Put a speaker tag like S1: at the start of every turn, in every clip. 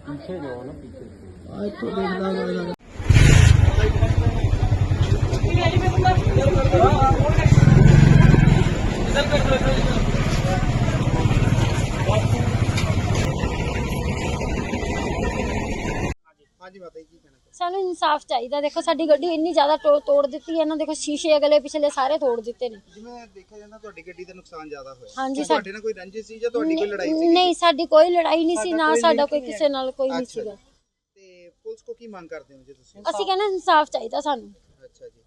S1: पीछे जो ना पीछे
S2: तो देखना
S3: ਸਾਨੂੰ ਇਨਸਾਫ ਚਾਹੀਦਾ। ਦੇਖੋ ਸਾਡੀ ਗੱਡੀ ਇੰਨੀ ਜ਼ਿਆਦਾ ਤੋੜ ਦਿੱਤੀ ਹੈ ਨਾ, ਦੇਖੋ ਸ਼ੀਸ਼ੇ ਅਗਲੇ ਪਿਛਲੇ ਸਾਰੇ ਤੋੜ ਦਿੱਤੇ ਨੇ।
S4: ਜਿਵੇਂ ਦੇਖਿਆ ਜਾਂਦਾ ਤੁਹਾਡੀ ਗੱਡੀ ਦਾ ਨੁਕਸਾਨ ਜ਼ਿਆਦਾ ਹੋਇਆ।
S3: ਹਾਂਜੀ,
S4: ਤੁਹਾਡੇ ਨਾਲ ਕੋਈ ਰੰਜਿਸ਼ ਸੀ ਜਾਂ ਤੁਹਾਡੀ ਕੋਈ ਲੜਾਈ ਸੀ?
S3: ਨਹੀਂ, ਸਾਡੀ ਕੋਈ ਲੜਾਈ ਨਹੀਂ ਸੀ, ਨਾ ਸਾਡਾ ਕੋਈ ਕਿਸੇ ਨਾਲ ਕੋਈ ਨਹੀਂ ਸੀਗਾ।
S4: ਤੇ ਪੁਲਿਸ ਕੋ ਕੀ ਮੰਗ ਕਰਦੇ ਹੋ ਜੀ ਤੁਸੀਂ?
S3: ਅਸੀਂ ਕਹਿੰਦੇ ਇਨਸਾਫ ਚਾਹੀਦਾ ਸਾਨੂੰ।
S4: ਅੱਛਾ ਜੀ।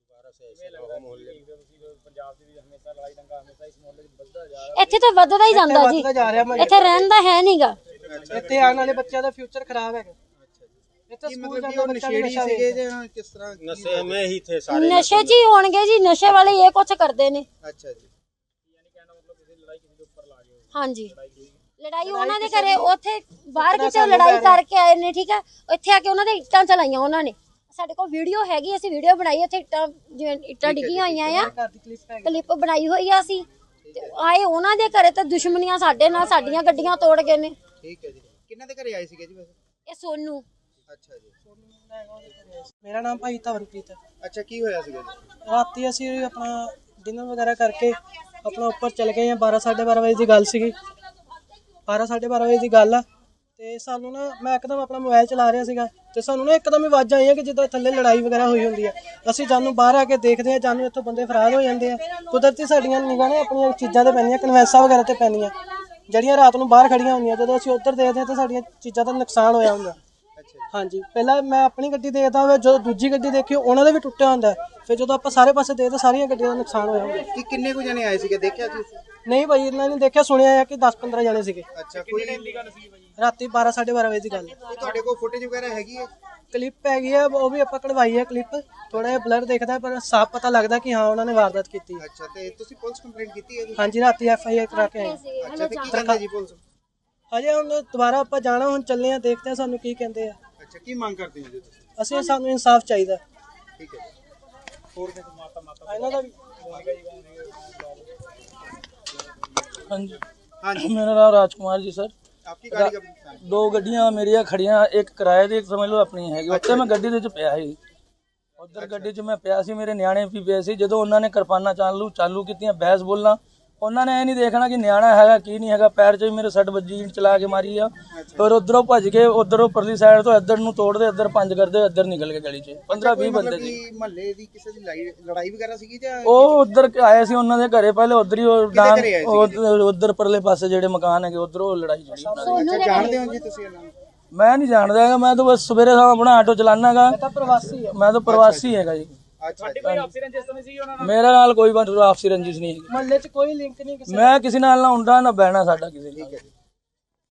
S3: ਇੱਥੇ ਤਾਂ ਵੱਧਦਾ ਹੀ ਜਾਂਦਾ ਜੀ, ਇੱਥੇ ਰਹਿੰਦਾ ਹੈ ਨਹੀਂਗਾ।
S2: ਇੱਥੇ ਆਉਣ ਵਾਲੇ ਬੱਚਿਆਂ ਦਾ ਫਿਊਚਰ ਖਰਾਬ ਹੈਗਾ।
S3: ਨਸ਼ੇ ਜੀ ਹੋਣਗੇ ਜੀ, ਨਸ਼ੇ ਵਾਲੇ ਇਹ ਕੁਛ ਕਰਦੇ ਨੇ।
S4: ਅੱਛਾ ਜੀ।
S3: ਹਾਂਜੀ, ਲੜਾਈ ਉਹਨਾਂ ਦੇ ਘਰੇ ਉੱਥੇ ਬਾਹਰ ਕਿਤੇ ਲੜਾਈ ਕਰਕੇ ਆਏ ਨੇ, ਠੀਕ ਹੈ। ਇੱਥੇ ਆ ਕੇ ਉਹਨਾਂ ਦੇ ਇੱਟਾਂ ਚਲਾਈਆਂ ਉਹਨਾਂ ਨੇ। ਸਾਡੇ ਕੋਲ ਵੀਡੀਓ ਹੈਗੀ, ਅਸੀਂ ਵੀਡੀਓ ਬਣਾਈ। ਉੱਥੇ ਇੱਟਾਂ ਜਿਵੇਂ ਇੱਟਾਂ ਡਿੱਗੀਆਂ ਹੋਈਆਂ ਆ, ਕਲਿੱਪ ਬਣਾਈ ਹੋਈ ਆ ਅਸੀਂ। ਆਏ ਉਹਨਾਂ ਦੇ ਘਰੇ ਤੇ ਦੁਸ਼ਮਣੀਆਂ ਸਾਡੇ ਨਾਲ, ਸਾਡੀਆਂ ਗੱਡੀਆਂ ਤੋੜ ਗਏ ਨੇ।
S4: ਠੀਕ ਹੈ ਜੀ। ਕਿੰਨਾਂ ਦੇ ਘਰੇ ਆਏ ਸੀਗੇ ਜੀ ਵੈਸੇ?
S3: ਇਹ ਸੋਨੂ।
S4: ਅੱਛਾ ਜੀ।
S2: ਮੇਰਾ ਨਾਮ ਭਾਈ ਧਵਨਪ੍ਰੀਤ ਹੈ।
S4: ਅੱਛਾ, ਕੀ ਹੋਇਆ ਸੀਗਾ ਜੀ?
S2: ਰਾਤੀ ਅਸੀਂ ਆਪਣਾ ਡਿਨਰ ਵਗੈਰਾ ਕਰਕੇ ਆਪਣਾ ਉੱਪਰ ਚਲੇ ਗਏ ਆ। 12 12:30 ਵਜੇ ਦੀ ਗੱਲ ਸੀਗੀ। 12 12:30 ਵਜੇ ਦੀ ਗੱਲ ਆ। ਤੇ ਸਾਨੂੰ ਨਾ, ਮੈਂ ਇੱਕਦਮ ਆਪਣਾ ਮੋਬਾਈਲ ਚਲਾ ਰਿਹਾ ਸੀਗਾ ਤੇ ਸਾਨੂੰ ਨਾ ਇੱਕਦਮ ਹੀ ਆਵਾਜ਼ਾਂ ਆਈਆਂ ਕਿ ਜਿੱਦਾਂ ਥੱਲੇ ਲੜਾਈ ਵਗੈਰਾ ਹੋਈ ਹੁੰਦੀ ਹੈ। ਅਸੀਂ ਜਾਨੂੰ ਬਾਹਰ ਆ ਕੇ ਦੇਖਦੇ ਆ, ਜਾਨੂੰ ਇੱਥੋਂ ਬੰਦੇ ਫਰਾਰ ਹੋ ਜਾਂਦੇ ਆ। ਕੁਦਰਤੀ ਸਾਡੀਆਂ ਨਿਗਾਹਾਂ ਨੇ ਆਪਣੀਆਂ ਚੀਜ਼ਾਂ ਤੇ ਪੈਣੀਆਂ, ਕਨਵੈਂਸਾਂ ਵਗੈਰਾ ਤੇ ਪੈਣੀਆਂ, ਜਿਹੜੀਆਂ ਰਾਤ ਨੂੰ ਬਾਹਰ ਖੜੀਆਂ ਹੁੰਦੀਆਂ। ਜਦੋਂ ਅਸੀਂ ਉੱਧਰ ਦੇਖਦੇ ਹਾਂ ਤਾਂ ਸਾਡੀਆਂ ਚੀਜ਼ਾਂ ਦਾ ਨੁਕਸਾਨ ਹੋਇਆ ਹੁੰਦਾ। ਹਾਂਜੀ, ਪਹਿਲਾਂ ਮੈਂ ਆਪਣੀ ਗੱਡੀ ਦੇਖਦਾ ਹੋਇਆ, ਜਦੋਂ ਦੂਜੀ ਗੱਡੀ ਦੇਖੀ ਉਹਨਾਂ ਦਾ ਵੀ ਟੁੱਟਿਆ ਹੁੰਦਾ। ਫਿਰ ਜਦੋਂ ਆਪਾਂ ਸਾਰੇ ਪਾਸੇ ਦੇਖਦੇ ਸਾਰੀਆਂ ਗੱਡੀਆਂ ਦਾ ਨੁਕਸਾਨ ਹੋਇਆ ਹੁੰਦਾ।
S4: ਕਿ ਕਿੰਨੇ ਕੁ ਜਣੇ ਆਏ ਸੀਗੇ, ਦੇਖਿਆ ਜੀ?
S2: ਨਹੀਂ ਭਾਈ, ਇਹਨਾਂ ਨੇ ਦੇਖਿਆ, ਸੁਣਿਆ ਹੈ ਕਿ 10-15 ਜਣੇ ਸੀਗੇ।
S4: ਅੱਛਾ, ਕੋਈ
S2: ਰਾਤੀ 12 12:30 ਵਜੇ ਦੀ ਗੱਲ ਹੈ।
S4: ਤੁਹਾਡੇ ਕੋਲ ਫੁਟੇਜ ਵਗੈਰਾ ਹੈਗੀ ਹੈ?
S2: ਕਲਿੱਪ ਹੈਗੀ ਆ, ਉਹ ਵੀ ਆਪਾਂ ਕਢਵਾਈ ਹੈ ਕਲਿੱਪ। ਥੋੜਾ ਜਿਹਾ ਬਲਰ ਦਿਖਦਾ ਪਰ ਸਾਫ਼ ਪਤਾ ਲੱਗਦਾ ਕਿ ਹਾਂ ਉਹਨਾਂ ਨੇ ਵਾਰਦਾਤ ਕੀਤੀ।
S4: ਅੱਛਾ, ਤੇ ਤੁਸੀਂ ਪੁਲਿਸ ਕੰਪਲੇਂਟ ਕੀਤੀ ਹੈ ਜੀ?
S2: ਹਾਂਜੀ, ਰਾਤੀ FIR ਕਰਾ ਕੇ ਆਏ।
S4: ਅੱਛਾ, ਤੇ ਕੀ ਕਹਿੰਦੇ ਜੀ ਪੁਲਿਸ?
S2: ਹਜੇ ਹੁਣ ਦੁਬਾਰਾ ਆਪਾਂ ਜਾਣਾ, ਹੁਣ ਚੱਲੇ ਆ, ਦੇਖਦੇ ਆ ਸਾਨੂੰ ਕੀ ਕਹਿੰਦੇ ਆ।
S4: ਅੱਛਾ, ਕੀ ਮੰਗ ਕਰਦੇ ਹੋ ਜੀ ਤੁਸੀਂ?
S2: ਅਸੀਂ, ਸਾਨੂੰ ਇਨਸਾਫ ਚਾਹੀਦਾ।
S4: ਠੀਕ ਹੈ। ਹੋਰ
S2: ਇਹਨਾਂ ਦਾ
S1: ਹਾਂਜੀ
S4: ਹਾਂਜੀ,
S1: मेरा नाम राजकुमार जी सर।
S4: ਆਪਕੀ ਗਾੜੀ ਕਬ?
S1: दो गड्डियां मेरिया खड़ियां, एक किराए दी, एक समझ लो अपनी हैगी। उत्ते मैं गड्डी दे विच पिया ਸੀ। उधर गड्डी 'ਚ मैं ਪਿਆ ਸੀ, ਮੇਰੇ ਨਿਆਣੇ ਵੀ ਪਏ ਸੀ। ਜਦੋਂ ਉਹਨਾਂ ਨੇ ਕਿਰਪਾਨਾਂ ਚਾਲੂ ਕੀਤੀਆਂ, ਬਹਿਸ ਬੋਲਣਾ, ਉਹਨਾਂ ਨੇ ਇਹ ਨਹੀਂ ਦੇਖਣਾ ਕਿ ਨਿਆਣਾ ਹੈਗਾ ਕੀ ਨਹੀਂ ਹੈਗਾ। ਪੈਰ 'ਚ ਵੀ ਮੇਰੇ ਸੱਟ ਵੱਜੀ, ਇੰਟ ਚਲਾ ਕੇ ਮਾਰੀ ਆ। ਫਿਰ ਉਧਰੋਂ ਭੱਜ ਕੇ, ਉਧਰੋਂ ਪਰਲੀ ਸਾਈਡ ਤੋਂ ਇੱਧਰ ਨੂੰ ਤੋੜਦੇ, ਇੱਧਰ ਪੰਜ ਕਰਦੇ, ਇੱਧਰ ਨਿਕਲ ਕੇ ਗਲੀ 'ਚ 15-20 ਬੰਦੇ ਸੀ।
S4: ਮਹੱਲੇ ਦੀ ਕਿਸੇ ਦੀ ਲੜਾਈ ਵਗੈਰਾ ਸੀਗੀ ਜਾਂ?
S1: ਉਹ ਉਧਰ ਆਏ ਸੀ ਉਹਨਾਂ ਦੇ ਘਰੇ, ਪਹਿਲੇ ਉਧਰ ਹੀ ਉਧਰ ਪਰਲੇ ਪਾਸੇ ਜਿਹੜੇ ਮਕਾਨ ਹੈਗੇ ਉਧਰੋਂ ਲੜਾਈ ਚੜੀ।
S4: ਅੱਛਾ, ਜਾਣਦੇ ਹੋ ਜੀ ਤੁਸੀਂ ਇਹਨਾਂ ਨੂੰ?
S1: ਮੈਂ ਨਹੀਂ ਜਾਣਦਾ ਹੈਗਾ, ਮੈਂ ਤਾਂ ਬਸ ਸਵੇਰੇ ਸ਼ਾਮ ਆਪਣਾ ਆਟੋ ਚਲਾਨਾਗਾ। ਮੈਂ ਤਾਂ ਪ੍ਰਵਾਸੀ ਹੈਗਾ ਜੀ। ਮੇਰੇ ਨਾਲ ਕੋਈ ਆਪਸੀ ਰੰਜਿਸ਼ ਨਹੀਂ ਹੈਗੀ।
S2: ਮਹੱਲੇ 'ਚ ਕੋਈ ਲਿੰਕ ਨਹੀਂ ਕਿਸੇ।
S1: ਮੈਂ ਕਿਸੇ ਨਾਲ ਨਾ ਹੁੰਦਾ ਨਾ ਬਹਿਣਾ ਸਾਡਾ ਕਿਸੇ ਨਾਲ।